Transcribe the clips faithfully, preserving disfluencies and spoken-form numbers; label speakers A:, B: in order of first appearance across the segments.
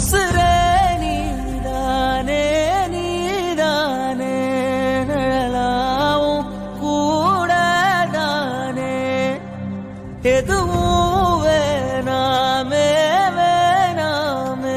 A: உசுரே நீதானே நீதானே நிழலாவும் கூடதானே எதுவும் வேணாமே வேணாமே.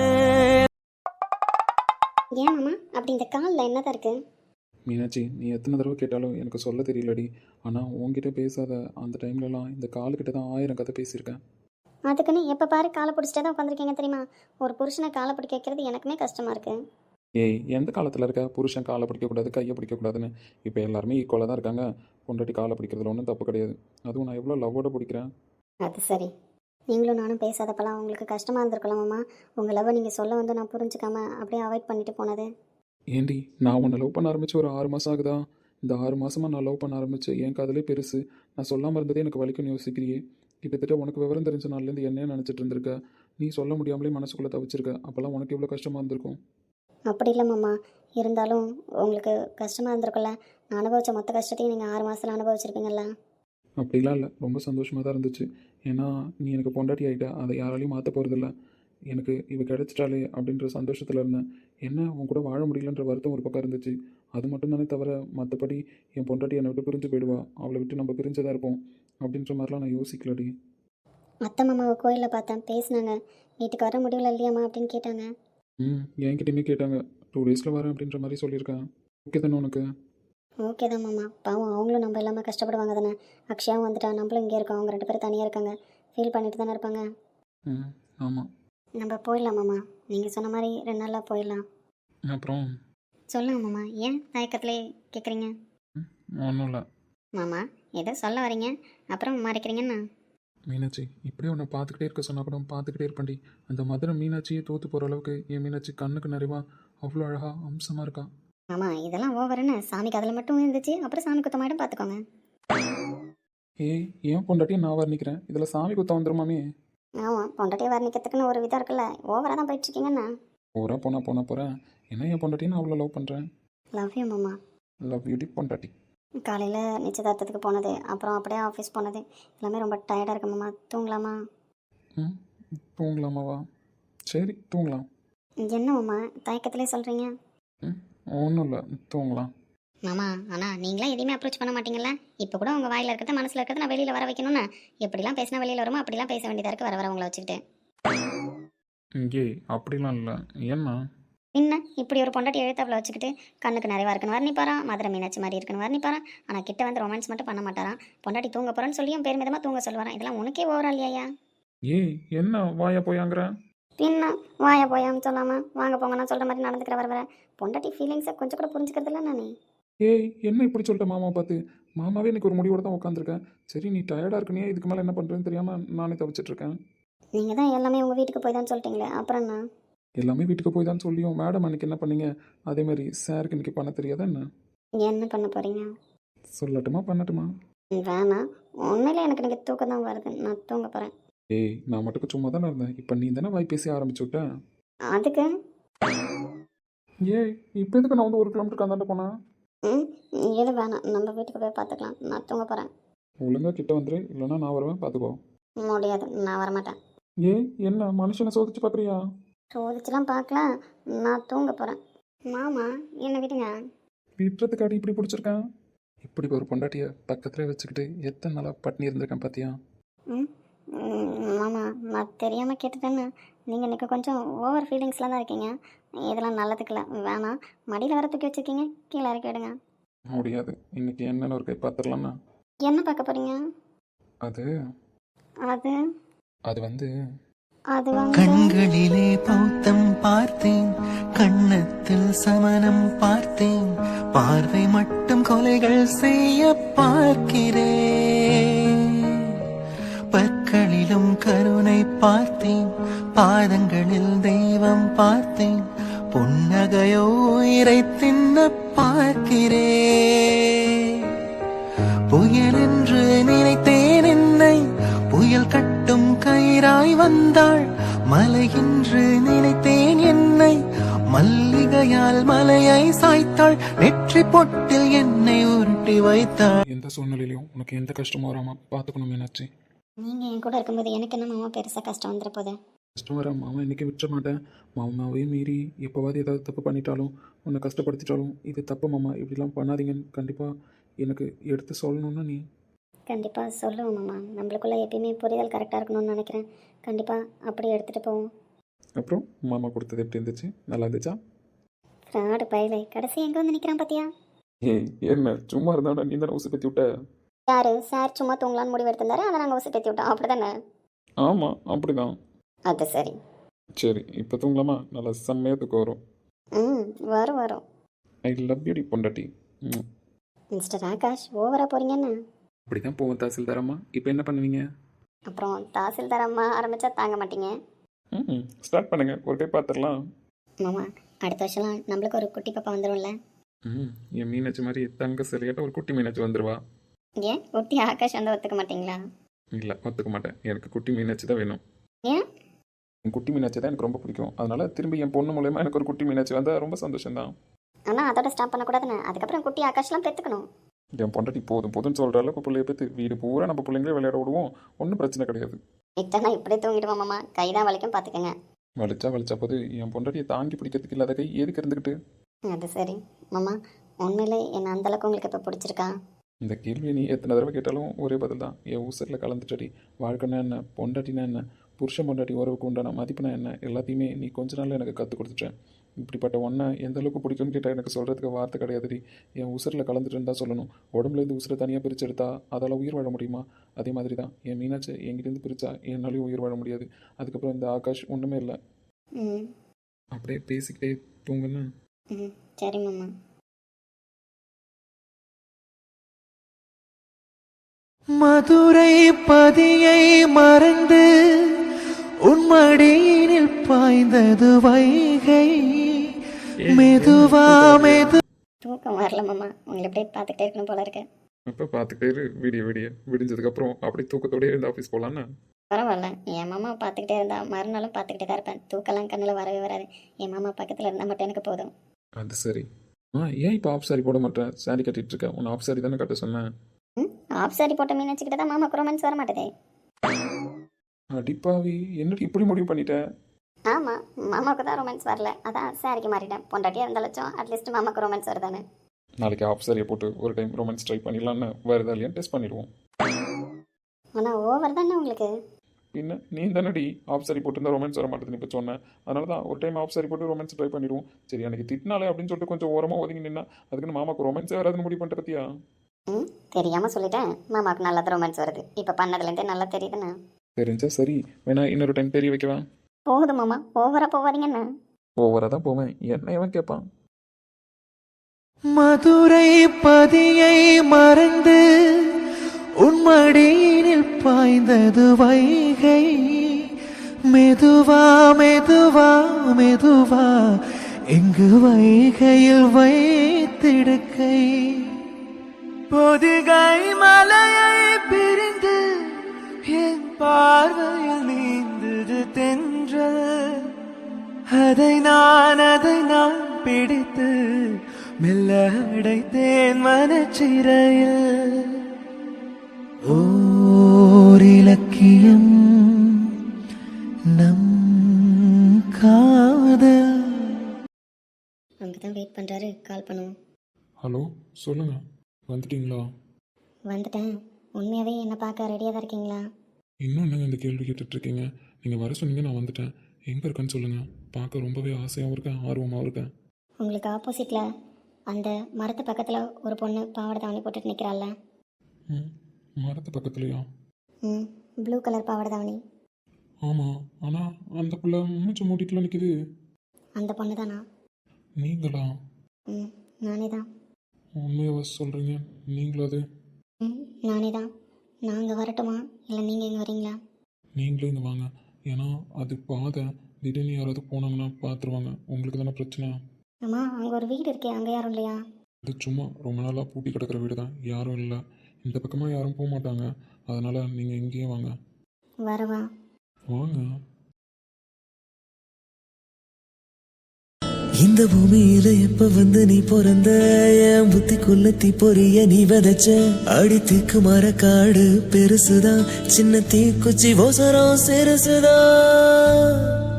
B: ஏன் மாமா அப்படி இந்த காலில் என்னதான் இருக்கு?
C: மீனாட்சி, நீ எத்தனை தடவை கேட்டாலும் எனக்கு சொல்ல தெரியலடி. ஆனால் உன்கிட்ட பேசாத அந்த டைம்லலாம் இந்த காலுக்கிட்ட தான் ஆயிரம் கதை பேசியிருக்கேன்.
B: அதுக்குன்னு எப்போ பாரு காலை பிடிச்சிட்டே தான் உட்காந்துருக்கீங்க தெரியுமா? ஒரு புருஷனை காலை பிடிக்க வைக்கிறது எனக்குமே கஷ்டமாக இருக்குது.
C: ஏய், எந்த காலத்தில் இருக்க புருஷன் காலை பிடிக்கக்கூடாது கையை பிடிக்கக்கூடாதுன்னு? இப்போ எல்லாருமே ஈக்குவலாக தான் இருக்காங்க. பொண்டாட்டி காலை பிடிக்கிறதுல ஒன்றும் தப்பு கிடையாது. அதுவும் நான் எவ்வளோ லவ்வோட பிடிக்கிறேன்.
B: அது சரி, நீங்களும் நானும் பேசாதப்பெல்லாம் உங்களுக்கு கஷ்டமாக இருந்திருக்கலாமாம்மா? உங்கள் லவ்வை நீங்கள் சொல்ல வந்து நான் புரிஞ்சுக்காம அப்படியே அவாய்ட் பண்ணிட்டு போனது.
C: ஏண்டி, நான் உன்னை லவ் பண்ண ஆரம்பித்து ஒரு ஆறு மாதம் ஆகுதா? இந்த ஆறு மாதமாக நான் லவ் பண்ண ஆரம்பித்து என் காதலே பெருசு. நான் சொல்லாமல் இருந்ததே எனக்கு வலிக்கும்னு யோசிக்கிறியே. கிட்டத்தட்ட உனக்கு விவரம் தெரிஞ்ச நாள்லேருந்து என்னையே நினச்சிட்டு இருந்திருக்க. நீ சொல்ல முடியாமலே மனசுக்குள்ளே தவிச்சிருக்க. அப்போல்லாம் உனக்கு எவ்வளோ கஷ்டமாக இருந்திருக்கும்.
B: அப்படி இல்லை மாமா, இருந்தாலும் உங்களுக்கு கஷ்டமாக இருந்திருக்குல்ல. நான் அனுபவித்த மொத்த கஷ்டத்தையும் நீங்கள் ஆறு மாதத்தில் அனுபவிச்சிருப்பீங்கல்ல.
C: அப்படிலாம் இல்லை, ரொம்ப சந்தோஷமாக தான் இருந்துச்சு. ஏன்னா நீ எனக்கு பொண்டாட்டி ஆகிட்ட, அதை யாராலையும் மாற்ற போகிறதில்ல. எனக்கு இவ கிடச்சிட்டாலே அப்படின்ற சந்தோஷத்தில் இருந்தேன். என்ன உன் கூட வாழ முடியலன்ற வருத்தம் ஒரு பக்கம் இருந்துச்சு. அது மட்டும் தானே தவிர மற்றபடி என் பொண்டாட்டி என்னை விட்டு பிரிஞ்சு போயிடுவா, அவளை விட்டு நம்ம பிரிஞ்சதாக இருப்போம் அப்படின்ற மாதிரிலாம் நான் யோசிக்கலடி.
B: அத்தை மாமாவை கோயிலில் பார்த்தேன், பேசினாங்க. வீட்டுக்கு வர முடியல இல்லையாம்மா அப்படின்னு கேட்டாங்க.
C: ம் என்கிட்டயுமே கேட்டாங்க. டூ டேஸில் வரேன் அப்படின்ற மாதிரி சொல்லியிருக்கேன். ஓகே தானே உனக்கு?
B: ஓகே தான் மாமா, பாவம் அவங்களும் நம்ம இல்லாமல் கஷ்டப்படுவாங்க தானே. அக்ஷயாவும் வந்துட்டா, நம்மளும் இங்கே இருக்கோம். அவங்க ரெண்டு பேரும் தனியாக இருக்காங்க, ஃபீல் பண்ணிட்டு தானே இருப்பாங்க.
C: ம் ஆமாம்.
B: நம்ம போயிடலாம் மாமா, நீங்கள் சொன்ன மாதிரி ரெண்டு நாளில் போயிடலாம்.
C: அப்புறம்
B: சொல்லுங்க மாமா, ஏன் தயக்கத்திலே கேட்குறீங்க?
C: ஒன்றும் இல்லை
B: மாமா, ஏதோ சொல்ல வரீங்க அப்புறம் மறைக்கிறீங்கண்ணா.
C: மீனாட்சி, இப்படியே உன்னை பார்த்துக்கிட்டே இருக்க சொன்னால் கூட பார்த்துக்கிட்டே இருப்பேன்டி. அந்த மதுரை மீனாட்சியே தோற்று போகிற அளவுக்கு என் மீனாட்சி கண்ணுக்கு நிறைவா அவ்வளோ அழகாக அம்சமாக இருக்கா.
B: மாமா இதெல்லாம் ஓவருன்னு சாமிக்கு அதில் மட்டும் இருந்துச்சு, அப்புறம் சாமி குத்தமாயிடும் பார்த்துக்கோங்க.
C: ஏய், ஏன் பொண்டாட்டியும் நான் வர்ணிக்கிறேன், இதில் சாமி குத்தம் வந்துருமாமே.
B: ஆமாம், பொண்டாட்டியை வர்ணிக்கிறதுக்குன்னு ஒரு விதம் இருக்குல்ல, ஓவராக தான் போயிட்டுருக்கீங்கண்ணா.
C: போகிறா போனா போனா போகிறேன். என்ன என் பொண்டாட்டின்னு அவ்வளோ லவ் பண்ணுறேன்.
B: லவ் யூ மாமா.
C: லவ் யூடி பொண்டாட்டி.
B: காலையில் நிச்சயதார்த்தத்துக்கு போனது, அப்புறம் அப்படியே ஆஃபீஸ் போனது, எல்லாமே ரொம்ப டயர்டாக இருக்கு மாமா. தூங்கலாமா?
C: ம் தூங்கலாமாவா? சரி தூங்கலாம்.
B: என்ன மாமா தயக்கத்திலே சொல்கிறீங்க?
C: ம் ஒன்றும் இல்லை, தூங்கலாம்.
B: மாமா ஆனால் நீங்களாம் எதையுமே அப்ரோச் பண்ண மாட்டீங்கல்ல. இப்போ கூட உங்கள் வாயில் இருக்கிறத மனசில் இருக்கிறத நான் வெளியில் வர வைக்கணும்னு எப்படிலாம் பேசினா வெளியில் வருமோ அப்படிலாம் பேச வேண்டியதாக இருக்குது வர வர உங்களை வச்சுக்கிட்டு.
C: இங்கே அப்படிலாம் இல்லை. ஏன்னா
B: என்ன இப்படி ஒரு பொண்டாட்டி எழுத்தாப்பில் வச்சுக்கிட்டு கண்ணுக்கு நிறைவா இருக்குன்னு வர்ணிப்பாரான், மதுரை மீனாட்சி மாதிரி இருக்குன்னு வர்ணிப்பாரான், ஆனால் கிட்ட வந்து ரொமான்ஸ் மட்டும் பண்ண மாட்டாரான். பொண்டாட்டி தூங்க போகிறேன்னு சொல்லியும் பெருமிதமாக தூங்க சொல்லுவாரான். இதெல்லாம் உனக்கே ஓவரா இல்லையா?
C: ஏய், என்ன வாயா போயாங்கிற?
B: பின்ன வாயா போயான்னு சொல்லாமல் வாங்க போங்க நான் சொல்கிற மாதிரி நடந்துக்கிற வர வர பொண்டாட்டி ஃபீலிங்ஸை கொஞ்சம் கூட புரிஞ்சுக்கிறதில்ல நானே.
C: ஏய், என்ன இப்படி சொல்லிட்ட மாமா பார்த்து? மாமாவே எனக்கு ஒரு முடிவோட தான் உட்காந்துருக்கேன். சரி நீ டயர்டாக இருக்குனியே, இதுக்கு மேலே என்ன பண்ணுறேன்னு தெரியாமல் நானே தவிச்சிட்ருக்கேன்.
B: நீங்கள் தான் எல்லாமே உங்கள் வீட்டுக்கு போய் தான் சொல்லிட்டீங்களே, அப்புறம் என்ன?
C: எல்லாமே வீட்டுக்கு போய் தான் சொல்லியும் மேடம் அன்றைக்கி என்ன பண்ணீங்க? அதே மாதிரி சாருக்கு இன்றைக்கி பண்ண தெரியாதா என்ன?
B: என்ன பண்ண போகிறீங்க?
C: சொல்லட்டுமா பண்ணட்டுமா?
B: வேணாம், உண்மையிலே எனக்கு நீங்கள் தூக்கம் தான் வருது, நான் தூங்க போகிறேன்.
C: ஏய், நான் மட்டும் சும்மா தானே இருந்தேன், இப்போ நீ தானே வாய் பேசி ஆரம்பிச்சு விட்டேன்.
B: அதுக்கு
C: ஏய், இப்போ எதுக்கு நான் வந்து ஒரு கிலோமீட்டருக்கு அந்தாண்ட போனேன்?
B: ம் எது வேணாம், நம்ம வீட்டுக்கு போய் பார்த்துக்கலாம், நான் தூங்க போகிறேன்.
C: ஒழுங்காக கிட்ட வந்துரு, இல்லைன்னா நான் வருவேன், பார்த்துக்கோ.
B: முடியாது, நான் வரமாட்டேன்.
C: ஏய், என்ன மனுஷனை சோதிச்சு பார்க்குறியா?
B: சோதிச்சுலாம் பார்க்கல, நான் தூங்க போகிறேன். மாமா என்ன விடுங்க.
C: விட்டுறதுக்காடி இப்படி பிடிச்சிருக்கேன். இப்படி ஒரு பொண்டாட்டியை பக்கத்தில் வச்சுக்கிட்டு எத்தனை நாளாக பட்டினி இருந்திருக்கேன் பார்த்தியா?
B: ம் மாமா நான் தெரியாமல் கேட்டுட்டேன்னு நீங்கள் எனக்கு கொஞ்சம் ஓவர் ஃபீலிங்ஸ்லாம் தான் இருக்கீங்க. இதெல்லாம் நல்லதுக்குல, வேணாம். மடியில் வர தூக்கி வச்சுருக்கீங்க, கீழே இறக்கி விடுங்க.
C: முடியாது, இன்னைக்கு என்னன்னு ஒரு கை பார்த்துடலாம்னா.
B: என்ன பார்க்க போகிறீங்க?
C: அது
B: அது
C: அது வந்து
B: அது வந்து
A: கண்களிலே பௌத்தம் பார்த்தேன், கண்ணத்தில் சமணம் பார்த்தேன், பார்வை மட்டும் கொலைகள் செய்ய பார்க்கிறேன். பற்களிலும் கருணை பார்த்தேன், பாதங்களில் தெய்வம் பார்த்தேன், புன்னகையோ உயிரை தின்ன பார்க்கிறேன். புயல் என்று நினைத்தேன் என்னை, புயல் கட்டும் கயிறாய் வந்தாள். மலை என்று நினைத்தேன் என்னை, மல்லிகையால் மலையை சாய்த்தாள். நெற்றி பொட்டில் என்னை உருட்டி வைத்தாள்.
C: எந்த சூழ்நிலையிலும் உனக்கு எந்த கஷ்டமும் வராமல் பார்த்துக்கணும் மீனாட்சி.
B: நீங்கள் என் கூட இருக்கும்போது எனக்கு என்ன மாமா பெருசாக கஷ்டம் வந்துட போகுது?
C: கஷ்டம் வர மாமா இன்றைக்கி விட்டுற மாட்டேன். மாமாவையும் மீறி எப்போவாது ஏதாவது தப்பு பண்ணிட்டாலும் உன்னை கஷ்டப்படுத்திட்டாலும் இது தப்பு மாமா, இப்படிலாம் பண்ணாதீங்கன்னு கண்டிப்பாக எனக்கு எடுத்து சொல்லணும்னா நீ.
B: கண்டிப்பாக சொல்லுவோம் மாமா. நம்மளுக்குள்ளே எப்பயுமே புரிதல் கரெக்டாக இருக்கணும்னு நினைக்கிறேன். கண்டிப்பாக அப்படி எடுத்துகிட்டு போவோம்.
C: அப்புறம் மாமா கொடுத்தது எப்படி இருந்துச்சு? நல்லா இருந்துச்சா?
B: ஃப்ராடு பயலை கடைசி எங்கே வந்து நிற்கிறான் பார்த்தியா?
C: ஏய் என்ன சும்மா இருந்தாடா, நீ தானே ஊசி பற்றி விட்ட.
B: யார் சார் சும்மா தூங்கலான்னு முடிவு எடுத்திருந்தாரு, அதை நாங்கள் ஊசி பேத்தி விட்டோம் அப்படி தானே?
C: ஆமாம் அப்படிதான்.
B: அது சரி.
C: சரி இப்போ தூங்கலாமா? நல்லா செம்மையாக தூக்கம் வரும்.
B: ம் வரும் வரும்.
C: ஐ லவ் யூ டி பொண்டாட்டி. ம்
B: மிஸ்டர் ஆகாஷ் ஓவராக போகிறீங்கன்னு.
C: அப்படி தான் போவோம் தாசில்தாரம்மா. இப்போ என்ன பண்ணுவீங்க?
B: அப்புறம் தாசில்தார் அம்மா ஆரம்பித்தா தாங்க மாட்டீங்க.
C: ம் ஸ்டார்ட் பண்ணுங்கள், ஒரு கை பார்த்துடலாம்.
B: மாமா அடுத்த வருஷம்லாம் நம்மளுக்கு ஒரு குட்டி பாப்பா வந்துடும்ல?
C: ம் என் மீனாட்சி மாதிரி தங்க சிலையாட்ட ஒரு குட்டி மீனாட்சி வந்துடுவா.
B: ஏன் குட்டி ஆகாஷ் வந்து ஒத்துக்க மாட்டீங்களா?
C: இல்லை ஒத்துக்க மாட்டேன், எனக்கு குட்டி மீனாட்சி தான் வேணும்.
B: ஏன்?
C: என் குட்டி மீனாட்சி தான் எனக்கு ரொம்ப பிடிக்கும். அதனால் திரும்பி என் பொண்ணு மூலயமா எனக்கு ஒரு குட்டி மீனாட்சி வந்தால் ரொம்ப சந்தோஷம்தான்.
B: ஆனால் அதோட ஸ்டாப் பண்ணக்கூடாதுன்னு அதுக்கப்புறம் குட்டி ஆகாஷ்லாம் பெற்றுக்கணும்.
C: என் பொண்டாட்டி போதும் போதும்னு சொல்கிற அளவுக்கு பிள்ளைய பற்றி வீடு பூரா நம்ம பிள்ளைங்களே விளையாட விடுவோம், ஒன்றும் பிரச்சனை கிடையாது.
B: இத்தனை இப்படியே தூங்கிடுவோம் மாமா, கை தான் வலிக்கும் பார்த்துக்கங்க.
C: வலிச்சா வலிச்சா போது என் பொண்டாட்டியை தாங்கி பிடிக்கிறதுக்கு இல்லாத கை எதுக்கு இருந்துக்கிட்டு?
B: அது சரி மாமா, உண்மையிலே என்ன அந்தளவுக்கு உங்களுக்கு இப்போ பிடிச்சிருக்கா?
C: இந்த கேள்வியை நீ எத்தனை தடவை கேட்டாலும் ஒரே பதில் தான். என் ஊசரில் கலந்துட்டடி. வாழ்க்கைனா என்ன, பொண்டாட்டினா என்ன, புருஷன் பொண்டாட்டி உறவுக்கு உண்டான மதிப்புனா என்ன, எல்லாத்தையுமே நீ கொஞ்ச நாள் எனக்கு கற்றுக் கொடுத்துட்டேன். இப்படிப்பட்ட ஒன்றை எந்த அளவுக்கு பிடிக்கும்னு கேட்டால் எனக்கு சொல்கிறதுக்கு வார்த்தை கிடையாதுடி. என் உசுரில் கலந்துட்டுன்னு தான் சொல்லணும். உடம்புலேருந்து உசுரை தனியாக பிரித்து எடுத்தா அதால் உயிர் வாழ முடியுமா? அதே மாதிரி தான் என் மீனாட்சி என்கிட்டேருந்து பிரித்தா என்னாலையும் உயிர் வாழ முடியாது. அதுக்கப்புறம் இந்த ஆகாஷ் ஒன்றுமே இல்லை.
B: ம்
C: அப்படியே பேசிக்கிட்டே தூங்குன்னு.
B: ம் சரி மாமா.
A: மதுரை பதியை மறந்து உன்மடியினில் பாய்ந்தது வைகை மெதுவா மெது.
B: தூக்கம் வரல மாமா, உங்களை அப்படியே பார்த்துக்கிட்டே இருக்கணும் போல இருக்கு.
C: இப்போ பார்த்துக்கிட்டே இரு, விடிய விடிய விடிஞ்சதுக்கப்புறம் அப்படி தூக்கத்தோடயே இருந்து ஆஃபீஸ் போகலான்னு.
B: பரவாயில்ல, என் மாமா பார்த்துக்கிட்டே இருந்தா மறுநாளும் பார்த்துக்கிட்டே தான் இருப்பேன். தூக்கெல்லாம் கண்ணில் வரவே வராது. என் மாமா பக்கத்தில் இருந்தால் மட்டும் எனக்கு போதும்.
C: அது சரி. ஆ ஏன் இப்போ ஆஃப் சாரி போட மாட்டேன்? சாரி கட்டிகிட்டு இருக்கேன். உன்னை ஆஃப் சாரி தானே கட்ட சொன்னேன்.
B: ம் ஆஃப் சாரி போட்ட மீன் வச்சுக்கிட்டு தான் மாமாக்கு ரொமான்ஸ் வர மாட்டேதே.
C: அடிப்பாவி, என்னடி இப்படி முடிவு பண்ணிட்டேன்?
B: ஆமாம், மாமாவுக்கு தான் ரொமான்ஸ் வரல, அதான் சாரிக்கு மாறிட்டேன். பொண்டாட்டியாக இருந்தாலும் அட்லீஸ்ட் மாமாவுக்கு ரொமான்ஸ் வருதானே.
C: நாளைக்கு ஆஃப் சாரியை போட்டு ஒரு டைம் ரொமான்ஸ் ட்ரை பண்ணிடலான்னு வேறு ஏதாவது இல்லையா டெஸ்ட் பண்ணிடுவோம்.
B: ஆனால் ஓவர் தானே உங்களுக்கு.
C: பின்ன நீ தானடி ஆஃப் சாரி போட்டு இருந்தால் ரொமான்ஸ் வர மாட்டேதுன்னு இப்போ சொன்னேன். அதனால தான் ஒரு டைம் ஆஃப் சாரி போட்டு ரொமான்ஸ் ட்ரை பண்ணிடுவோம். சரி அன்றைக்கி திட்டினாலே அப்படின்னு சொல்லிட்டு கொஞ்சம் ஓரமாக ஒதுங்கி நின்னா அதுக்குன்னு மாமாவுக்கு ரொமான்ஸே வராதுன்னு முடிவு பண்ணிட்டு பற்றியா?
B: ம் தெரியாமல் சொல்லிட்டேன். மாமாவுக்கு நல்லா ரொமான்ஸ் வருது இப்போ பண்ணதுலேருந்தே நல்லா தெரியுதுண்ணா.
C: தெரிஞ்சா சரி, வேணா இன்னொரு டைம் தெரிய வைக்கவா?
B: போகுது மாமா, ஓவராக போவாதீங்கண்ணா.
C: ஓவராக தான் போவேன், என்ன இவன் கேட்பான்?
A: மதுரை பதியை மறந்து உன்மடியினில் பாய்ந்தது வைகை மெதுவா மெதுவா மெதுவா எங்கு வைகையில் வைத்திடுக்கை பொதிகை மலையை பிரிந்து என் பார்வையில் நீந்தது தென்றல் அதை நான் அதை நான் பிடித்து மெல்ல அடைத்தேன் மனச்சிறையில் ஓர் இலக்கியம் நம் காதல்.
B: அங்கே தான் வெயிட் பண்ணுறாரு, கால் பண்ணுவோம்.
C: ஹலோ சொல்லுங்கள், வந்துட்டீங்களா?
B: வந்துட்டேன். உண்மையாகவே என்னை பார்க்க ரெடியாக தான் இருக்கீங்களா?
C: இன்னும் என்னங்க இந்த கேள்வி கேட்டுட்ருக்கீங்க? நீங்கள் வர சொன்னீங்க, நான் வந்துட்டேன். எங்கே இருக்கேன்னு சொல்லுங்கள். பார்க்க ரொம்பவே ஆசையாகவும் இருக்கேன், ஆர்வமாகவும் இருக்கேன்.
B: உங்களுக்கு ஆப்போசிட்டில் அந்த மரத்து பக்கத்தில் ஒரு பொண்ணு பாவாடை தாவணி போட்டுட்டு நிற்கிறாள்ல.
C: ம் மரத்து பக்கத்துலையா?
B: ம் ப்ளூ கலர் பாவாடை தாவணி.
C: ஆமாம், ஆனால் அந்த பிள்ளை மூச்சு மூடிட்டுலாம் நிற்கிது.
B: அந்த பொண்ணு தானா?
C: நீங்களா?
B: ம் நானே தான்.
C: உண்மையாக சொல்கிறீங்க, நீங்களா? அது
B: ம் நானே தான். நான் அங்கே வரட்டுமா இல்லை நீங்கள் இங்கே வரீங்களா?
C: நீங்களே இங்கே வாங்க, ஏன்னா அது பாதை, திடீர்னு யாராவது போனாங்கன்னா பார்த்துருவாங்க. உங்களுக்கு தானே பிரச்சனை.
B: அம்மா அங்கே ஒரு வீடு இருக்கே, அங்கே யாரும் இல்லையா?
C: இது சும்மா ரொம்ப நாளாக பூட்டி கிடக்கிற வீடு தான், யாரும் இல்லை. இந்த பக்கமாக யாரும் போக மாட்டாங்க, அதனால் நீங்கள் இங்கேயே வாங்க.
B: வரவா?
C: வாங்க.
A: இந்த பூமியில எப்ப வந்து நீ பிறந்த என் புத்திக்குள்ள தீ பொறிய நீ விதைச்ச அடி தீக்கு மர காடு பெருசுதான் சின்ன தீக்குச்சி ஓசரம் சிறுசுதான்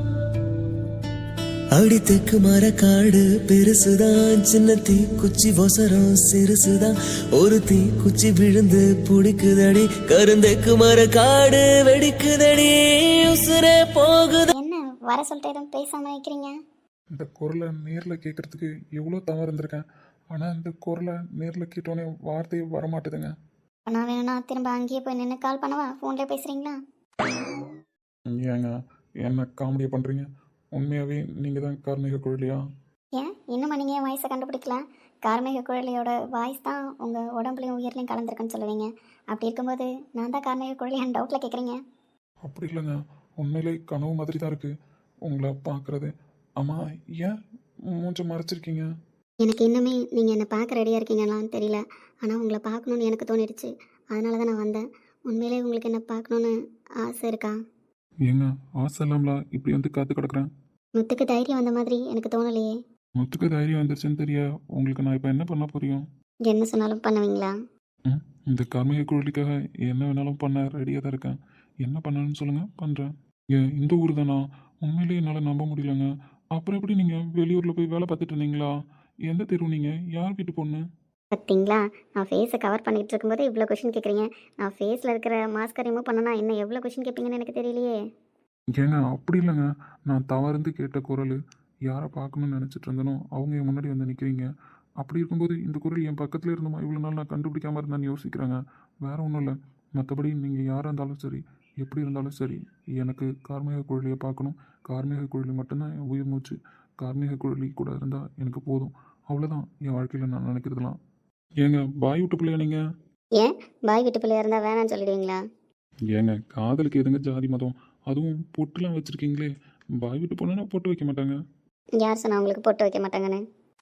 A: அடி தெக்கு மர காடு பெருசுதான் சின்ன தீக்குச்சி ஒசரம் சிறுசுதான் ஒரு தீக்குச்சி விழுந்து புடிக்குதடி கருந்தெக்கு மர காடு வெடிக்குதடி உசுரே போகுது.
B: என்ன வர சொல்லிட்டு எதுவும் பேசாமல் வைக்கிறீங்க?
C: இந்த குரலை நேரில் கேட்குறதுக்கு எவ்வளோ தவறு இருந்திருக்கேன். ஆனால் இந்த குரலை நேரில் கேட்டோன்னே வார்த்தையே வரமாட்டுதுங்க.
B: நான் வேணும்னா திரும்ப அங்கேயே போய் நின்று கால் பண்ணவா? ஃபோன்லேயே பேசுகிறீங்களா?
C: ஏங்க என்ன காமெடியை பண்ணுறீங்க? உண்மையாகவே நீங்கள் தான் கார்மிக குழலியா?
B: ஏன் இன்னும் நீங்கள் என் வாய்ஸை கண்டுபிடிக்கல? கார்மேக குழலியோட வாய்ஸ் தான் உங்கள் உடம்புலையும் உயிர்லையும் கலந்துருக்குன்னு சொல்லுவீங்க. அப்படி இருக்கும்போது நான் தான் கார்மேக குழலியான்னு டவுட்டில் கேட்குறீங்க.
C: அப்படி இல்லைங்க, உண்மையிலே கனவு மாதிரி தான் இருக்குது உங்களை பார்க்குறது. ஆமாம், ஏன் மூஞ்ச மறைச்சிருக்கீங்க?
B: எனக்கு இன்னுமே நீங்கள் என்னை பார்க்க ரெடியாக இருக்கீங்களான்னு தெரியல. ஆனால் உங்களை பார்க்கணுன்னு எனக்கு தோணிடுச்சு. அதனால தான் நான் வந்தேன். உண்மையிலே உங்களுக்கு என்ன பார்க்கணுன்னு ஆசை இருக்கா?
C: ஏங்க ஆசை இல்லாமலா இப்படி வந்து காத்து கிடக்குறேன்?
B: முத்துக்கு தைரியம் வந்த மாதிரி எனக்கு தோணலையே.
C: முத்துக்கு தைரியம் வந்துருச்சுன்னு தெரிய உங்களுக்கு நான் இப்போ என்ன பண்ண புரியும்?
B: என்ன சொன்னாலும் பண்ணுவீங்களா?
C: ம் இந்த கார்மிக குழலிக்காக என்ன வேணாலும் பண்ண ரெடியாக தான் இருக்கேன். என்ன பண்ணணும்னு சொல்லுங்கள், பண்ணுறேன். ஏன் இந்த ஊர் தானா? உண்மையிலேயே என்னால் நம்ப முடியலங்க. அப்புறம் எப்படி நீங்கள் வெளியூரில் போய் வேலை பார்த்துட்டு இருந்தீங்களா? எந்த தெருவு நீங்கள்? யார் வீட்டு பொண்ணு?
B: பார்த்தீங்களா, நான் ஃபேஸை கவர் பண்ணிகிட்டு இருக்கும்போது இவ்வளோ கொஷின் கேட்குறீங்க. நான் ஃபேஸில் இருக்கிற மாஸ்கை ரிமூவ் பண்ணனா இன்னும் எவ்வளோ கொஷின் கேட்பீங்கன்னு எனக்கு தெரியலையே.
C: ஏங்க அப்படி இல்லைங்க, நான் தவறுந்து கேட்ட குரல். யாரை பார்க்கணும்னு நினச்சிட்டு இருந்தனோ அவங்க என் முன்னாடி வந்து நிற்கிறீங்க. அப்படி இருக்கும்போது இந்த குரல் என் பக்கத்தில் இருந்தோமா இவ்வளோ நாள் நான் கண்டுபிடிக்காமல் இருந்தான்னு யோசிக்கிறேங்க. வேறு ஒன்றும் இல்லை. மற்றபடி நீங்கள் யாராக இருந்தாலும் சரி, எப்படி இருந்தாலும் சரி, எனக்கு கார்மிக குழலியை பார்க்கணும். கார்மிக குழலி மட்டும்தான் என் உயிர் மூச்சு. கார்மிக குழலி கூட இருந்தால் எனக்கு போதும். அவ்வளோதான் என் வாழ்க்கையில் நான் நினைக்கிறதுலாம். ஏங்க பாய் விட்டு பிள்ளையா நீங்கள்?
B: ஏன் பாய் வீட்டு பிள்ளையா இருந்தால் வேணான்னு சொல்லிடுவீங்களா?
C: ஏங்க காதலுக்கு எதுங்க ஜாதி மதம்? அதுவும் பொட்டுலாம் வச்சுருக்கீங்களே. பாய் விட்டு போனா பொட்டு வைக்க மாட்டாங்க.
B: யார் சொன்னா உங்களுக்கு போட்டு வைக்க மாட்டாங்கன்னு?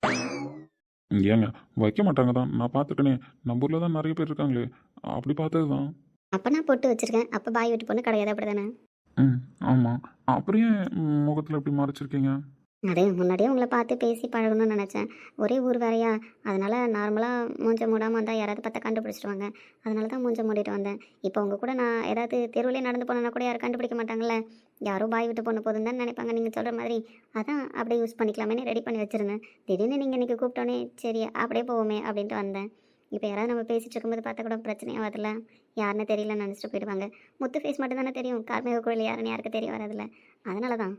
C: ஏங்க வைக்க மாட்டாங்க தான், நான் பார்த்துட்டேனே. நம்ம ஊரில் தான் நிறைய பேர் இருக்காங்களே, அப்படி பார்த்தது தான்.
B: அப்போ நான் போட்டு வச்சுருக்கேன். அப்போ பாய் வீட்டு பொண்ணு கிடையாது, அப்படி தானே?
C: ம் ஆமாம். அப்புறம் ஏன் முகத்தில் எப்படி மறைச்சிருக்கீங்க?
B: அதே முன்னாடியே உங்களை பார்த்து பேசி பழகணும்னு நினச்சேன். ஒரே ஊர் வேறையா, அதனால் நார்மலாக மூஞ்ச மூடாமல் வந்தால் யாராவது பார்த்தா கண்டுபிடிச்சிடுவாங்க. அதனால தான் மூஞ்ச மூடிட்டு வந்தேன். இப்போ உங்கள் கூட நான் ஏதாவது தெருவிலே நடந்து போனேன்னா கூட யாரும் கண்டுபிடிக்க மாட்டாங்கல்ல. யாரோ பாய் விட்டு பொண்ணு போதுன்னு தான் நினைப்பாங்க நீங்கள் சொல்கிற மாதிரி. அதான் அப்படியே யூஸ் பண்ணிக்கலாமேன்னு ரெடி பண்ணி வச்சுருந்தேன். திடீர்னு நீங்கள் இன்றைக்கி கூப்பிட்டோன்னே சரி அப்படியே போவோமே அப்படின்ட்டு வந்தேன். இப்போ யாராவது நம்ம பேசிகிட்டு இருக்கும்போது பார்த்தா கூட பிரச்சனையாக வரல. யாருன்னு தெரியலன்னு நினச்சிட்டு போயிடுவாங்க. முத்து ஃபேஸ் மட்டும் தானே தெரியும், கார்மிக கோயில் யாருன்னு யாருக்கு தெரிய வரதில்ல. அதனால தான்.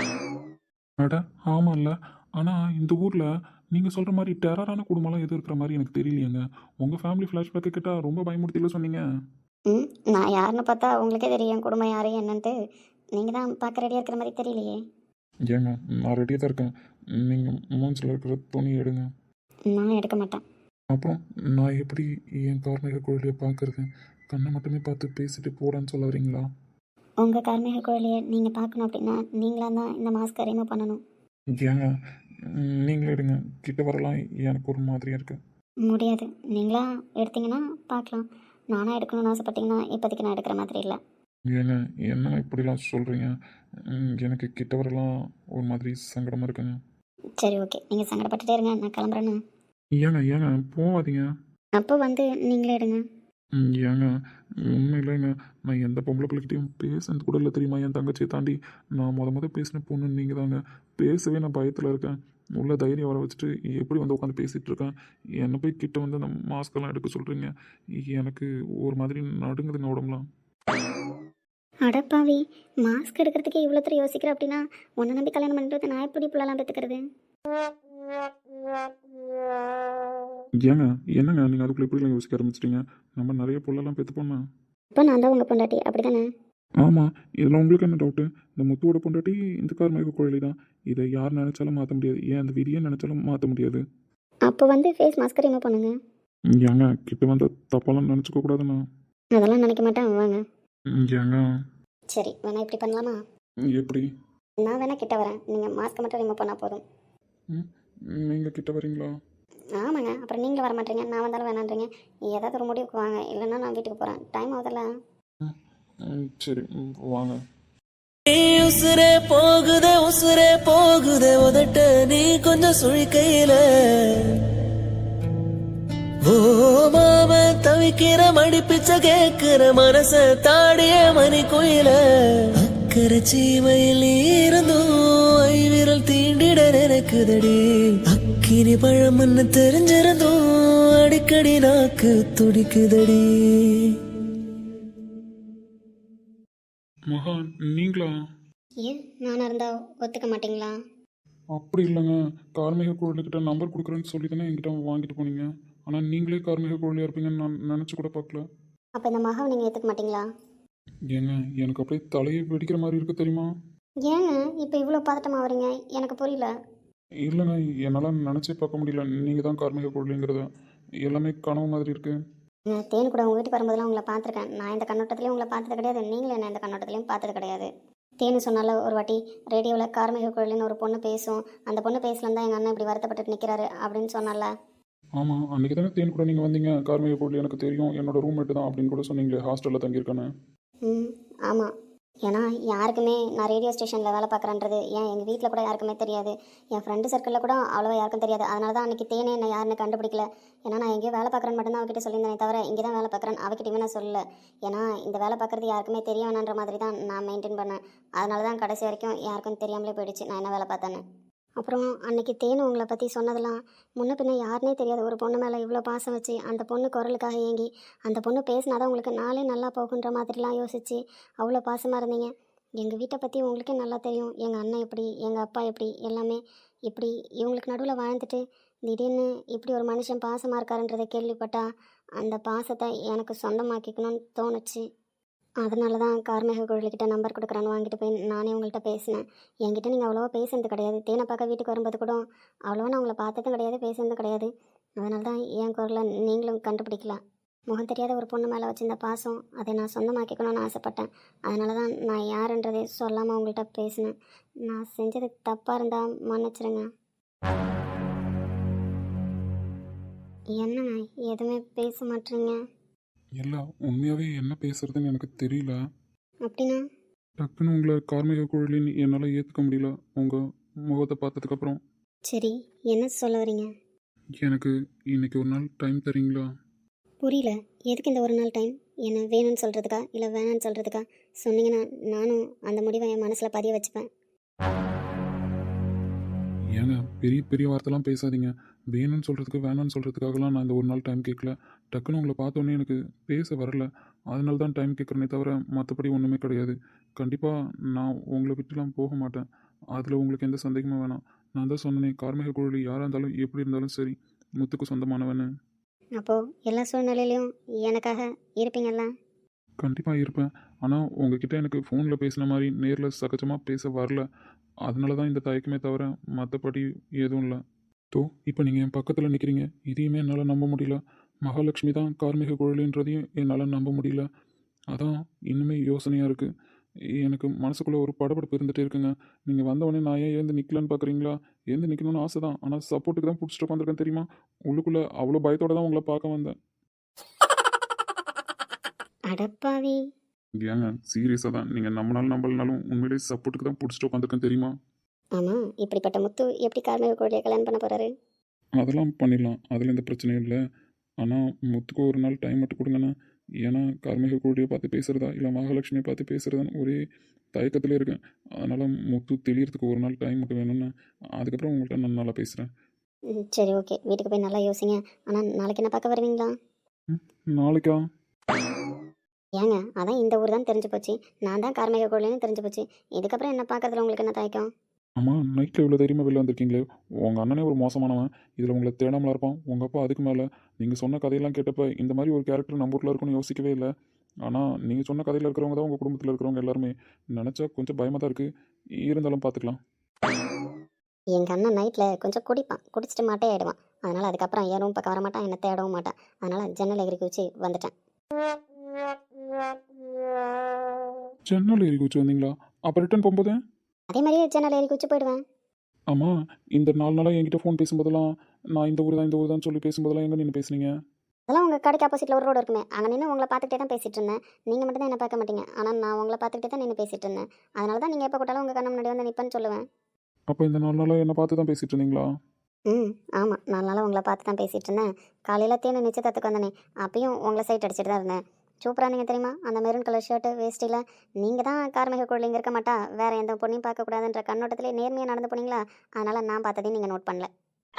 C: அட ஆமாம் இல்லை. ஆனால் இந்த ஊரில் நீங்கள் சொல்கிற மாதிரி டெரரான குடும்பம்லாம் எதுவும் இருக்கிற மாதிரி எனக்கு தெரியலையேங்க. உங்கள் ஃபேமிலி ஃப்ளாஷ்பேக்கு கேட்டால் ரொம்ப பயமுறுத்தில சொன்னீங்க.
B: ம் நான் யாருன்னு பார்த்தா உங்களுக்கே தெரியும் குடும்பம் யாரு என்னன்ட்டு. நீங்கள் தான் பார்க்க ரெடியாக இருக்கிற மாதிரி தெரியலையே.
C: ஏங்க நான் ரெடியாக தான் இருக்கேன். நீங்கள் மூஞ்சில் இருக்கிற துணி எடுங்க.
B: நான் எடுக்க மாட்டேன்.
C: அப்புறம் நான் எப்படி என் கார்மிக குழலியை பார்க்குறது? கண்ணை மட்டுமே பார்த்து பேசிட்டு போடான்னு சொல்ல வரீங்களா?
B: உங்கள் கார்மிக கோழியை நீங்கள் பார்க்கணும் அப்படின்னா நீங்களாக தான் இந்த மாஸ்க்கை ரிமூவ் பண்ணணும்.
C: ஏங்க நீங்களே எடுங்க, கிட்ட வரலாம். எனக்கு ஒரு மாதிரியாக இருக்கு.
B: முடியாது. நீங்களா எடுத்தீங்கன்னா பார்க்கலாம். நானாக எடுக்கணும்னு ஆசைப்பட்டீங்கன்னா இப்போதைக்கு நான் எடுக்கிற மாதிரி இல்லை.
C: ஏங்க என்ன இப்படிலாம் சொல்கிறீங்க? எனக்கு கிட்ட வரலாம் ஒரு மாதிரி சங்கடமாக இருக்குங்க.
B: சரி ஓகே, நீங்கள் சங்கடப்பட்டுட்டே இருங்க, நான் கிளம்புறேன்னு.
C: ஏங்க ஏங்க போகாதீங்க.
B: அப்போ வந்து நீங்களே எடுங்க.
C: ம், ஏங்க உண்மையிலேங்க நான் எந்த பொம்பளை பிள்ளைகிட்டையும் பேசுனது கூட இல்லை தெரியுமா? என் தங்கச்சியை தாண்டி நான் முத முத பேசின பொண்ணு நீங்கள் தாங்க. பேசவே நான் பயத்தில் இருக்கேன். உள்ள தைரியம் வர வச்சுட்டு எப்படி வந்து உட்காந்து பேசிகிட்டு இருக்கேன். என்னை போய் கிட்ட வந்து அந்த மாஸ்கெல்லாம் எடுக்க சொல்கிறீங்க. எனக்கு ஒரு மாதிரி நடுங்குதுங்க உடம்புலாம்.
B: அடப்பாவி, மாஸ்க் எடுக்கிறதுக்கே இவ்வளோ தூரம் யோசிக்கிற அப்படின்னா உன்னை நம்பி கல்யாணம் பண்ணிட்டு நான் எப்படி பிள்ளைலாம் பெற்றுக்கிறது?
C: ஏங்க என்னங்க நீங்கள் அதுக்குள்ளே எப்படிலாம் யோசிக்க ஆரம்பிச்சிட்டீங்க? நம்ம நிறைய பொருளெல்லாம் பெற்று போனேன்.
B: இப்போ நான் தான் உங்கள் பொண்டாட்டி, அப்படி தானே?
C: ஆமாம், இதில் உங்களுக்கு என்ன டவுட்டு? இந்த முத்துவோட பொண்டாட்டி இந்த கார்மிக கோழி தான். இதை யார் நினச்சாலும் மாற்ற முடியாது. ஏன் அந்த விதியை நினச்சாலும் மாற்ற முடியாது.
B: அப்போ வந்து ஃபேஸ் மாஸ்க் ரிமூவ் பண்ணுங்க.
C: ஏங்க கிட்ட வந்த தப்பெல்லாம் நினச்சிக்க கூடாதுண்ணா.
B: அதெல்லாம் நினைக்க மாட்டேன், வாங்க.
C: ஏங்க
B: சரி வேணா இப்படி பண்ணலாமா?
C: எப்படி?
B: நான் வேணா கிட்ட வரேன், நீங்கள் மாஸ்க்கை மட்டும் ரிமூவ் பண்ணால் போதும்.
C: ம் நீங்கள் கிட்ட வரீங்களா?
B: ஆமாங்க, அப்புறம் நீங்களும் வர மாட்டீங்க, நான் வந்தாலும் வேணான்றீங்க. ஏதாவது ஒரு முடிவுக்கு வாங்க, இல்லைன்னா நான் வீட்டுக்கு போகிறேன். டைம் ஆகுதுல்ல.
C: ம் ம், சரி ம், வாங்க.
A: நீ உசுரே போகுதே உசுரே போகுதே உதட்ட நீ கொஞ்சம் சுழிக்கையில ஓ மாம தவிக்கிற மடிப்பிச்ச கேக்குற மனச தாடிய மணி குயில அக்கறை சீமையில் இருந்தும் ஐவிரல் தீண்டிட நினைக்குதடி அக்கினி பழம்னு தெரிஞ்சிருந்தும் அடிக்கடி நாக்கு துடிக்குதடி.
C: மகா நீங்களா?
B: ஏன் நானாக இருந்தால் ஒத்துக்க மாட்டிங்களா?
C: அப்படி இல்லைங்க, கார்மிக கோழிக்கிட்ட நம்பர் கொடுக்குறேன்னு சொல்லி தானே என்கிட்ட வாங்கிட்டு போனீங்க. ஆனால் நீங்களே கார்மிக கோழியாக இருப்பீங்கன்னு நான் நினச்சி கூட பார்க்கல.
B: அப்போ இந்த மகாவை நீங்கள் ஏற்றுக்க மாட்டிங்களா?
C: ஏங்க எனக்கு அப்படியே தலையை வெடிக்கிற மாதிரி இருக்கு தெரியுமா?
B: ஏங்க இப்போ இவ்வளோ பதட்டமாக வரீங்க? எனக்கு புரியல.
C: இல்லைங்க, என்னால் நினச்சே பார்க்க முடியல. நீங்கள் தான் கார்மிக கோழிங்கிறத. எல்லாமே கனவு மாதிரி இருக்கு.
B: நான் தேன் கூட உங்கள் வீட்டுக்கு வரும்போதெல்லாம் உங்களை பார்த்துருக்கேன். நான் இந்த கண்ணோட்டத்துலேயும் உங்களை பார்த்தது கிடையாது, நீங்களும் என்ன இந்த கண்ணோட்டத்துலேயும் பார்த்தது கிடையாது. தேனு சொன்னால ஒரு வாட்டி ரேடியோவில் கார்மிக கோழின்னு ஒரு பொண்ணு பேசும், அந்த பொண்ணு பேசலாம் தான் எங்கள் அண்ணன் இப்படி வருத்தப்பட்டு நிற்கிறாரு அப்படின்னு சொன்னால.
C: ஆமாம், அன்றைக்கி தானே தேன் கூட நீங்கள் வந்தீங்க. கார்மிக கோழி எனக்கு தெரியும், என்னோட ரூம்மேட்டு தான் அப்படின்னு கூட சொன்னீங்களே, ஹாஸ்டலில் தங்கியிருக்கானே.
B: ம் ஆமாம். ஏன்னா யாருக்குமே நான் ரேடியோ ஸ்டேஷனில் வேலை பார்க்குறேன்றது ஏன் எங்கள் வீட்டில் கூட யாருக்குமே தெரியாது, என் ஃப்ரெண்டு சர்க்கிளில் கூட அவ்வளோவா யாருக்கும் தெரியாது. அதனால தான் அன்றைக்கி தேனே என்ன யாருன்னு கண்டுபிடிக்கல. ஏன்னா நான் எங்கேயோ வேலை பார்க்குறேன்னு மட்டும்தான் அவகிட்ட சொல்லியிருந்தேனே தவிர இங்கே தான் வேலை பார்க்குறேன் அவகிட்டையுமே நான் சொல்லலை. ஏன்னா இந்த வேலை பார்க்குறது யாருக்குமே தெரிய வேணான்ற மாதிரி தான் நான் மெயின்டைன் பண்ணேன். அதனால தான் கடைசி வரைக்கும் யாருக்கும் தெரியாமலே போயிடுச்சு நான் என்ன வேலை பார்த்தேன்னு. அப்புறம் அன்னைக்கு தேனு உங்களை பற்றி சொன்னதெல்லாம் முன்ன பின்ன யாருனே தெரியாது ஒரு பொண்ணு மேலே இவ்வளோ பாசம் வச்சு அந்த பொண்ணு குரலுக்காக ஏங்கி அந்த பொண்ணு பேசினாதான் உங்களுக்கு நாளே நல்லா போகுன்ற மாதிரிலாம் யோசிச்சு அவ்வளோ பாசமாக இருந்தீங்க. எங்கள் வீட்டை பற்றி உங்களுக்கே நல்லா தெரியும், எங்கள் அண்ணன் எப்படி எங்கள் அப்பா எப்படி எல்லாமே. இப்படி இவங்களுக்கு நடுவில் வாழ்ந்துட்டு திடீர்னு இப்படி ஒரு மனுஷன் பாசமாக இருக்காருன்றதை கேள்விப்பட்டா அந்த பாசத்தை எனக்கு சொந்தமாக்கிக்கணும்னு தோணுச்சு. அதனால தான் கார்மிக கோழிக்கிட்ட நம்பர் கொடுக்குறான்னு வாங்கிட்டு போய் நானே உங்கள்கிட்ட பேசினேன். என்கிட்ட நீங்கள் அவ்வளோவா பேசுனது கிடையாது. தேனை பார்க்க வீட்டுக்கு வரும்போது கூட அவ்வளோவா நான் உங்களை பார்த்ததும் கிடையாது, பேசுனதும் கிடையாது. அதனால தான் என் குரலை நீங்களும் கண்டுபிடிக்கலாம். முகம் தெரியாத ஒரு பொண்ணு மேலே வச்சிருந்த பாசம் அதை நான் சொந்தமாக்கிக்கணும்னு ஆசைப்பட்டேன். அதனால தான் நான் யாருன்றதே சொல்லாமல் உங்கள்கிட்ட பேசினேன். நான் செஞ்சது தப்பாக இருந்தால் மன்னிச்சிருங்க. என்னங்க எதுவுமே பேச மாட்டேறீங்க?
C: எல்லாம் உண்மையாகவே என்ன பேசுறதுன்னு எனக்கு தெரியல.
B: அப்படின்னா
C: டக்குன்னு உங்களை கார்மிக கோழின்னு என்னால் ஏற்றுக்க முடியல உங்கள் முகத்தை பார்த்ததுக்கப்புறம்.
B: சரி, என்ன சொல்ல வரீங்க?
C: எனக்கு இன்னைக்கு ஒரு நாள் டைம் தரீங்களா?
B: புரியல. எதுக்கு இந்த ஒரு நாள் டைம்? என்ன வேணும்னு சொல்கிறதுக்கா இல்லை வேணான்னு சொல்கிறதுக்கா? சொன்னீங்கன்னா நானும் அந்த முடிவை என் மனசில் பதிய வச்சுப்பேன்.
C: ஏங்க பெரிய பெரிய வார்த்தைலாம் பேசாதீங்க. வேணும்னு சொல்கிறதுக்கு வேணான்னு சொல்கிறதுக்காகலாம் நான் இந்த ஒரு நாள் டைம் கேட்கல. டக்குன்னு உங்களை பார்த்தோன்னே எனக்கு பேச வரல, அதனால தான் டைம் கேட்குறேனே தவிர மற்றபடி ஒன்றுமே கிடையாது. கண்டிப்பாக நான் உங்களை விட்டுலாம் போக மாட்டேன், அதில் உங்களுக்கு எந்த சந்தேகமும் வேணாம். நான் தான் சொன்னேனே, கார்மிக கோழி யாராக இருந்தாலும் எப்படி இருந்தாலும் சரி முத்துக்கு சொந்தமானவன்னு.
B: அப்போது எல்லா சூழ்நிலையிலையும் எனக்காக இருப்பீங்கல்ல?
C: கண்டிப்பாக இருப்பேன். ஆனால் உங்ககிட்ட எனக்கு ஃபோனில் பேசின மாதிரி நேரில் சகஜமாக பேச வரல, அதனால தான் இந்த தயக்கமே தவிர மற்றபடி எதுவும் இல்லை. தோ இப்போ நீங்கள் என் பக்கத்தில் நிற்கிறீங்க, இதையுமே என்னால் நம்ப முடியல. மகாலட்சுமி தான் கார்மிக கோழின்றதையும் என்னால் நம்ப முடியல. அதான் இன்னுமே யோசனையாக இருக்குது. எனக்கு மனசுக்குள்ளே ஒரு படபடப்பு இருந்துகிட்டே இருக்குங்க. நீங்கள் வந்தவொடனே நான் ஏன் எழுந்து நிற்கலான்னு பார்க்குறீங்களா? எழுந்து நிற்கணும்னு ஆசை தான், ஆனால் சப்போர்ட்டுக்கு தான் பிடிச்சிட்டு உட்காந்துருக்கேன் தெரியுமா? உள்ளுக்குள்ளே அவ்வளோ பயத்தோடு தான் உங்களை பார்க்க வந்தேன்.
B: அடப்பாவி.
C: ஏங்க சீரியஸாக தான், நீங்கள் நம்மளாலும் நம்பலனாலும் உண்மையிலேயே சப்போர்ட்டுக்கு தான் பிடிச்சிட்டு உட்காந்துருக்கேன் தெரியுமா?
B: ஆமாம், இப்படிப்பட்ட முத்து எப்படி கார்மிக கோழியை கல்யாணம் பண்ண போகிறாரு?
C: அதெல்லாம் பண்ணிடலாம், அதில் எந்த பிரச்சனையும் இல்லை. ஆனால் முத்துக்கு ஒரு நாள் டைம் மட்டும் கொடுங்கண்ணா. ஏன்னா கார்மிக கோழியை பார்த்து பேசுகிறதா இல்லை மகாலட்சுமியை பார்த்து பேசுகிறதான்னு ஒரே தயக்கத்திலே இருக்கேன். அதனால் முத்து தெளியறதுக்கு ஒரு நாள் டைம் மட்டும் வேணும்னா அதுக்கப்புறம் உங்கள்கிட்ட நான் நல்லா பேசுகிறேன்.
B: ம், சரி ஓகே, வீட்டுக்கு போய் நல்லா யோசிங்க. ஆனால் நாளைக்கு என்ன பார்க்க வருவீங்களா?
C: நாளைக்கா?
B: ஏங்க அதான் இந்த ஊர் தான் தெரிஞ்சு போச்சு, நான் தான் கார்மிக கோழின்னு தெரிஞ்சு போச்சு. இதுக்கப்புறம் என்ன பார்க்கறதுல உங்களுக்கு என்ன தயக்கம்?
C: ஆமாம், நைட்டில் இவ்வளோ தைரியமாக வெளில வந்திருக்கீங்களே. உங்கள் அண்ணனே ஒரு மோசமானவன், இதில் உங்களை தேடாமலாம் இருப்பான். உங்கள் அப்பா அதுக்கு மேலே. நீங்கள் சொன்ன கதையெல்லாம் கேட்டப்போ இந்த மாதிரி ஒரு கேரக்டர் நம்ம ஊரில் இருக்குன்னு யோசிக்கவே இல்லை. ஆனால் நீங்கள் சொன்ன கதையில் இருக்கிறவங்க தான் உங்கள் குடும்பத்தில் இருக்கிறவங்க எல்லாருமே. நினச்சா கொஞ்சம் பயமாக தான் இருக்குது, இருந்தாலும் பார்த்துக்கலாம்.
B: எங்கள் அண்ணன் நைட்டில் கொஞ்சம் குடிப்பான், குடிச்சிட்டு மாட்டே ஆகிடுவான். அதனால் அதுக்கப்புறம் என் ரூம் பக்கம் வர மாட்டான், என்னை தேடவும் மாட்டான். அதனால் ஜன்னல் எகிரி குச்சி வந்துட்டேன்.
C: ஜன்னல் ஏறி குச்சி வந்தீங்களா? அப்போ ரிட்டன் போகும்போது?
B: அதே மாதிரியே ஜன்னல் ஏறி குச்சி போயிடுவேன்.
C: ஆமாம், இந்த நாலு நாளாக என்கிட்ட ஃபோன் பேசும்போதெல்லாம் நான் இந்த ஊர் தான் இந்த ஊர் தான் சொல்லி பேசும்போதெல்லாம் எங்கே நின்று பேசுனீங்க?
B: அதெல்லாம் உங்கள் கடைக்கு ஆப்போசிட்டில் ஒரு ரோடு இருக்குமே, அங்கே நின்று உங்களை பார்த்துக்கிட்டே தான் பேசிகிட்டு இருந்தேன். நீங்கள் மட்டும் தான் என்ன பார்க்க மாட்டீங்க, ஆனால் நான் உங்களை பார்த்துக்கிட்டே தான் நின்று பேசிகிட்டு இருந்தேன். அதனால தான் நீங்கள் எப்போ கூட்டாலும் உங்கள் கண்ணு முன்னாடி வந்து நிற்பேன்னு சொல்லுவேன்.
C: அப்போ இந்த நாலு நாளாக என்னை பார்த்து தான் பேசிகிட்டு இருந்தீங்களா?
B: ம் ஆமாம், நாலு நாளாக உங்களை பார்த்து தான் பேசிகிட்டு இருந்தேன். காலையில் தேனு நிச்சயத்துக்கு வந்தனே, அப்பயும் உங்களை சைட் அடிச்சுட்டு தான் இருந்தேன். சூப்பராக நீங்கள் தெரியுமா, அந்த மெரூன் கலர் ஷர்ட்டு வேஸ்ட்டியில் நீங்கள் தான் கார்மிக குழந்தைங்க இருக்க மாட்டா, வேறு எந்த பொண்ணையும் பார்க்கக்கூடாதுன்ற கண்ணோட்டத்திலே நேர்மையாக நடந்து போனீங்களா, அதனால் நான் பார்த்ததையும் நீங்கள் நோட் பண்ணல.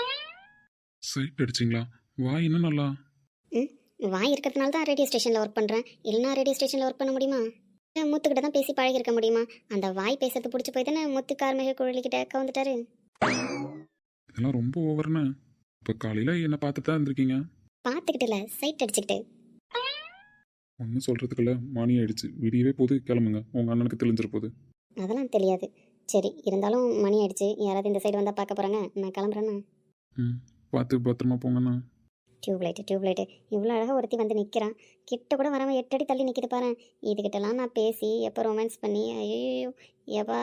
C: சைட் அடிச்சிங்களா? வாய் இன்னும் நல்லா.
B: ம் வாய் இருக்கிறதுனால தான் ரேடியோ ஸ்டேஷனில் ஒர்க் பண்ணுறேன், இல்லைனா ரேடியோ ஸ்டேஷனில் ஒர்க் பண்ண முடியுமா? இல்லை முத்துக்கிட்ட தான் பேசி பழகிருக்க முடியுமா? அந்த வாய் பேசுறது பிடிச்சி போய் தானே முத்து கார்மிக குழலிக்கிட்ட கவுந்துட்டாரு.
C: இதெல்லாம் ரொம்ப ஓவர்னு. இப்போ காலையில் என்னை பார்த்துட்டு தான் இருந்திருக்கீங்க.
B: பார்த்துக்கிட்டு இல்லை, சைட் அடிச்சுக்கிட்டு.
C: ஒன்றும் சொல்கிறதுக்குள்ள மணி ஆயிடுச்சு, விடியவே போது, கிளம்புங்க, உங்கள் அண்ணனுக்கு தெளிஞ்சிட போகுது.
B: அதெல்லாம் தெரியாது. சரி, இருந்தாலும் மணி ஆயிடுச்சு, யாராவது இந்த சைடு வந்தால் பார்க்க போகிறாங்க, நான் கிளம்புறேண்ணா.
C: ம் பார்த்து பத்திரமா போங்கண்ணா.
B: டியூப்லைட்டு டியூப்லைட்டு இவ்வளோ அழகாக ஒருத்தி வந்து நிற்கிறான், கிட்ட கூட வராமல் எட்டு அடி தள்ளி நிற்கிது பாரு. இதுகிட்டலாம் நான் பேசி எப்போ ரொமான்ஸ் பண்ணி, ஐயோ ஏவா.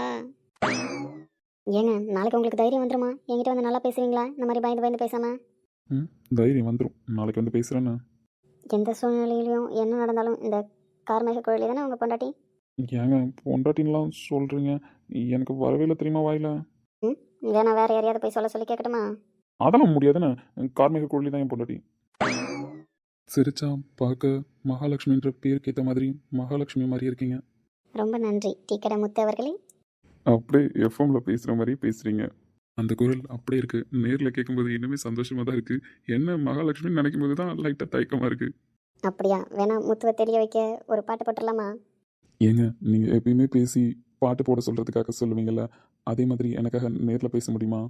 B: ஏங்க நாளைக்கு உங்களுக்கு தைரியம் வந்துருமா? என்கிட்ட வந்து நல்லா பேசுவீங்களா, இந்த மாதிரி பயந்து பயந்து பேசாமல்?
C: ம் தைரியம் வந்துடும், நாளைக்கு வந்து பேசுகிறேண்ணா.
B: எந்த சூழ்நிலையிலையும் என்ன நடந்தாலும் இந்த கார்மேக கோயிலே தானே உங்கள் பொண்டாட்டி?
C: ஏங்க பொண்டாட்டின்லாம் சொல்கிறீங்க, எனக்கு வரவே இல்லை தெரியுமா வாயில.
B: ம் வேணா வேறு யாரையாவது போய் சொல்ல சொல்லி கேட்கட்டுமா?
C: அதெல்லாம் முடியாதுண்ணே, கார்மிக கோழி தான் என் பொண்டாட்டி. சிரிச்சா பார்க்க மகாலட்சுமின்ற பேருக்கு ஏற்ற மாதிரி மகாலட்சுமி மாதிரி இருக்கீங்க.
B: ரொம்ப நன்றி டீ கடை முத்து அவர்களே.
C: அப்படியே எஃப்எம்ல பேசுகிற மாதிரி பேசுகிறீங்க. அந்த குரல் அப்படியே இருக்குது, நேரில் கேட்கும்போது இன்னுமே சந்தோஷமாக தான் இருக்குது. என்ன மகாலட்சுமின்னு நினைக்கும் போது தான் லைட்டாக தயக்கமாக இருக்குது.
B: அப்படியா? வேணா முத்துவை தெரிய வைக்க ஒரு பாட்டு போட்டுடலாமா?
C: ஏங்க நீங்கள் எப்பயுமே பேசி பாட்டு போட சொல்கிறதுக்காக சொல்லுவீங்கள்ல, அதே மாதிரி எனக்காக நேரில் பேச முடியுமா?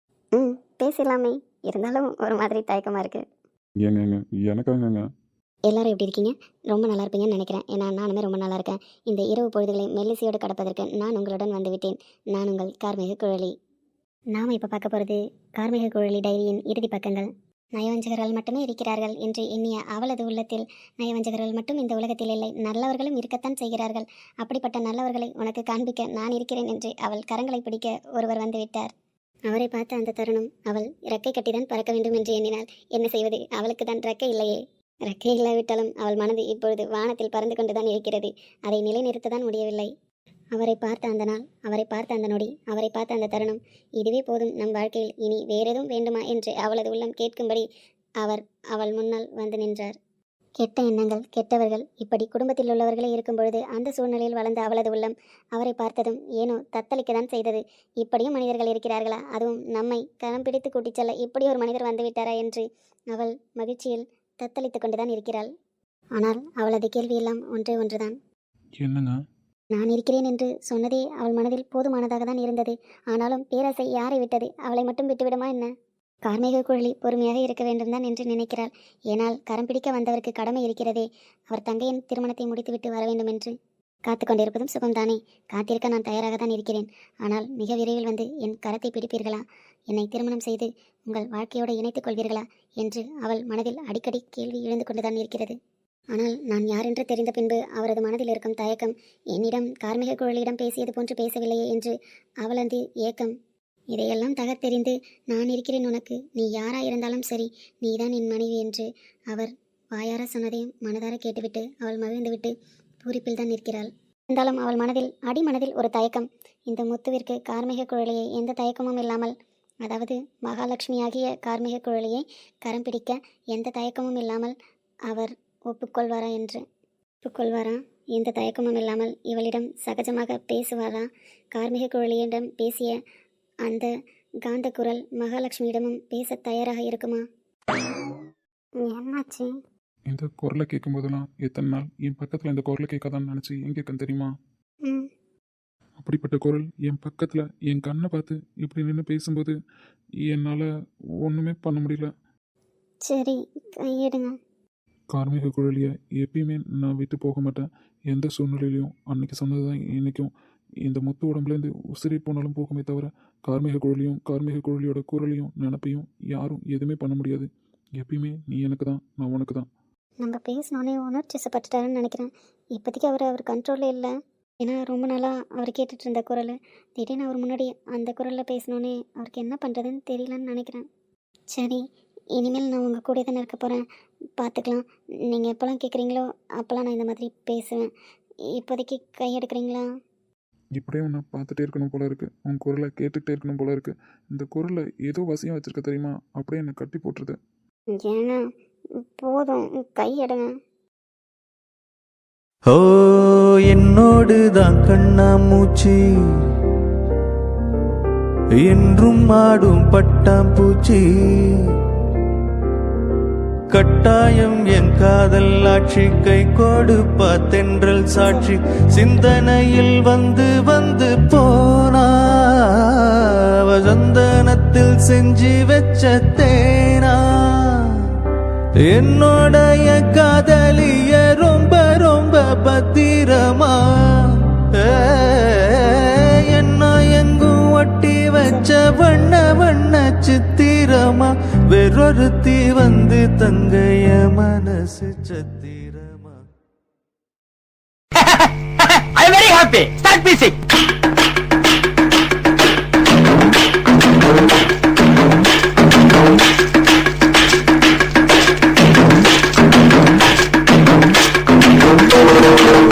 B: ம் பேசலாமே, இருந்தாலும் ஒரு மாதிரி தயக்கமாக இருக்குது.
C: ஏங்க ஏங்க எனக்காகங்க.
B: எல்லாரும் எப்படி இருக்கீங்க? ரொம்ப நல்லா இருப்பீங்கன்னு நினைக்கிறேன், ஏன்னா நானுமே ரொம்ப நல்லா இருக்கேன். இந்த இரவு பொழுதுகளை மெல்லிசையோடு கடப்பதற்கு நான் உங்களுடன் வந்துவிட்டேன். நான் உங்கள் கார்மிக குழலி. நாம் இப்போ பார்க்க போகிறது கார்மிக குழலி டைரியின் இறுதி பக்கங்கள். நயவஞ்சகர்கள் மட்டுமே இருக்கிறார்கள் என்று எண்ணிய அவளது உள்ளத்தில் நயவஞ்சகர்கள் மட்டும் இந்த உலகத்தில் இல்லை, நல்லவர்களும் இருக்கத்தான் செய்கிறார்கள். அப்படிப்பட்ட நல்லவர்களை உனக்கு காண்பிக்க நான் இருக்கிறேன் என்று அவள் கரங்களை பிடிக்க ஒருவர் வந்துவிட்டார். அவரை பார்த்த அந்த தருணம் அவள் இறக்கை கட்டிதான் பறக்க வேண்டும் என்று எண்ணினாள். என்ன செய்வது, அவளுக்கு தான் இறக்கை இல்லையே. இறக்கை இல்லாவிட்டாலும் அவள் மனது இப்பொழுது வானத்தில் பறந்து கொண்டுதான் இருக்கிறது, அதை நிலைநிறுத்ததான் முடியவில்லை. அவரை பார்த்த அந்த நாள், அவரை பார்த்த அந்த நொடி, அவரை பார்த்த அந்த தருணம், இதுவே போதும் நம் வாழ்க்கையில், இனி வேறெதும் வேண்டுமா என்று அவளது உள்ளம் கேட்கும்படி அவர் அவள் முன்னால் வந்து நின்றார். கெட்ட எண்ணங்கள், கெட்டவர்கள், இப்படி குடும்பத்தில் உள்ளவர்களே இருக்கும் பொழுது அந்த சூழ்நிலையில் வளர்ந்த அவளது உள்ளம் அவரை பார்த்ததும் ஏனோ தத்தளிக்க தான் செய்தது. இப்படியும் மனிதர்கள் இருக்கிறார்களா, அதுவும் நம்மை கரம் பிடித்து கூட்டிச் செல்ல இப்படி ஒரு மனிதர் வந்துவிட்டாரா என்று அவள் மகிழ்ச்சியில் தத்தளித்து கொண்டுதான் இருக்கிறாள். ஆனால் அவளது கேள்வியெல்லாம் ஒன்றே ஒன்றுதான்.
C: என்னங்க?
B: நான் இருக்கிறேன் என்று சொன்னதே அவள் மனதில் போதுமானதாக தான் இருந்தது. ஆனாலும் பேராசை யாரை விட்டது, அவளை மட்டும் விட்டுவிடுமா என்ன? கார்மேக குழலி பொறுமையாக இருக்க வேண்டும் தான் என்று நினைக்கிறாள். ஏனால் கரம் பிடிக்க வந்தவருக்கு கடமை இருக்கிறதே, அவர் தங்கையின் திருமணத்தை முடித்துவிட்டு வர வேண்டும் என்று. காத்து கொண்டிருப்பதும் சுகம்தானே, காத்திருக்க நான் தயாராக தான் இருக்கிறேன். ஆனால் மிக விரைவில் வந்து என் கரத்தை பிடிப்பீர்களா, என்னை திருமணம் செய்து உங்கள் வாழ்க்கையோடு இணைத்துக் கொள்வீர்களா என்று அவள் மனதில் அடிக்கடி கேள்வி எழுந்து கொண்டுதான் இருக்கிறது. ஆனால் நான் யாரென்று தெரிந்த பின்பு அவரது மனதில் இருக்கும் தயக்கம், என்னிடம் கார்மிக குழலியிடம் பேசியது போன்று பேசவில்லையே என்று அவளது ஏக்கம், இதையெல்லாம் தகர்த்தெறிந்து நான் இருக்கிறேன் உனக்கு, நீ யாரா இருந்தாலும் சரி, நீதான் என் மனைவி என்று அவர் வாயார சொன்னதையும் மனதார கேட்டுவிட்டு அவள் மகிழ்ந்துவிட்டு பூரிப்பில் தான் நிற்கிறாள். இருந்தாலும் அவள் மனதில் அடிமனதில் ஒரு தயக்கம். இந்த முத்துவிற்கு கார்மிக குழலியை எந்த தயக்கமும் இல்லாமல், அதாவது மகாலட்சுமியாகிய கார்மிக குழலியை கரம் பிடிக்க எந்த தயக்கமும் இல்லாமல் அவர் ஒப்புக்கொள்வாரா என்று. ஒப்புக்கொள்வாரா? எந்த தயக்கமும் இல்லாமல் இவளிடம் சகஜமாக பேசுவாரா? கார்மிக குழலியிடம் பேசிய அந்த காந்த குரல் மகாலட்சுமியிடமும் பேச தயாராக இருக்குமா? என்னாச்சு?
C: இந்த குரலை கேட்கும் போதெல்லாம் எத்தனை நாள் என் பக்கத்தில் இந்த குரலை கேட்காதான்னு நினச்சி எங்கே இருக்கேன் தெரியுமா?
B: ம்
C: அப்படிப்பட்ட குரல் என் பக்கத்தில் என் கண்ணை பார்த்து இப்படி நின்று பேசும்போது என்னால் ஒன்றுமே பண்ண முடியல.
B: சரி, கையெடுங்க.
C: கார்மிக குழலியை எப்பயுமே நான் விட்டு போக மாட்டேன், எந்த சூழ்நிலையிலையும். அன்னைக்கு சொன்னது தான் இன்றைக்கும். இந்த முத்து உடம்புலேருந்து உசிரி போனாலும் போகுமே தவிர கார்மிக குழலியும் கார்மிக குழலியோட குரலையும் நினப்பையும் யாரும் எதுவுமே பண்ண முடியாது. எப்பயுமே நீ எனக்கு தான், நான் உனக்கு தான்.
B: நம்ம பேசினோன்னே உணர்ச்சிசப்பட்டுட்டாருன்னு நினைக்கிறேன். இப்போதைக்கு அவர் அவர் கண்ட்ரோலில் இல்லை. ஏன்னா ரொம்ப நாளாக அவர் கேட்டுட்டு இருந்த குரல் திடீர்னு அவர் முன்னாடி அந்த குரலில் பேசினோன்னே அவருக்கு என்ன பண்ணுறதுன்னு தெரியலன்னு நினைக்கிறேன். சரி, இனிமேல் நான் உங்கள் கூட தானே இருக்க போகிறேன். பார்த்துக்கலாம். நீங்கள் எப்போல்லாம் கேட்குறீங்களோ அப்போல்லாம் நான் இந்த மாதிரி பேசுவேன். இப்போதைக்கு கை எடுக்கிறீங்களா?
C: இப்படியே உன்னை பார்த்துட்டே இருக்கணும் போல இருக்குது, உன் குரலை கேட்டுக்கிட்டே இருக்கணும் போல இருக்குது. இந்த குரலை ஏதோ வசியம் வச்சுருக்க தெரியுமா, அப்படியே என்னை கட்டி போட்டுருது.
B: ஏன்னா போதும், கை எடுங்க.
A: ஓ என்னோடு தான் கண்ணாமூச்சி என்றும் ஆடும் பட்டாம்பூச்சி கட்டாயம் என் காதல் ஆட்சி கை கொடுப்பா தென்றல் சாட்சி சிந்தனையில் வந்து வந்து போனா சந்தனத்தில் செஞ்சு வச்ச தேனா என்னோடைய காதலிய ரொம்ப ரொம்ப பத்திரமா என்ன எங்கும் ஒட்டி வச்ச வண்ண வண்ண சித்திரமா வேறொருத்தி வந்து தங்கைய மனசு சத்திரமா.
D: I am very happy. Start music.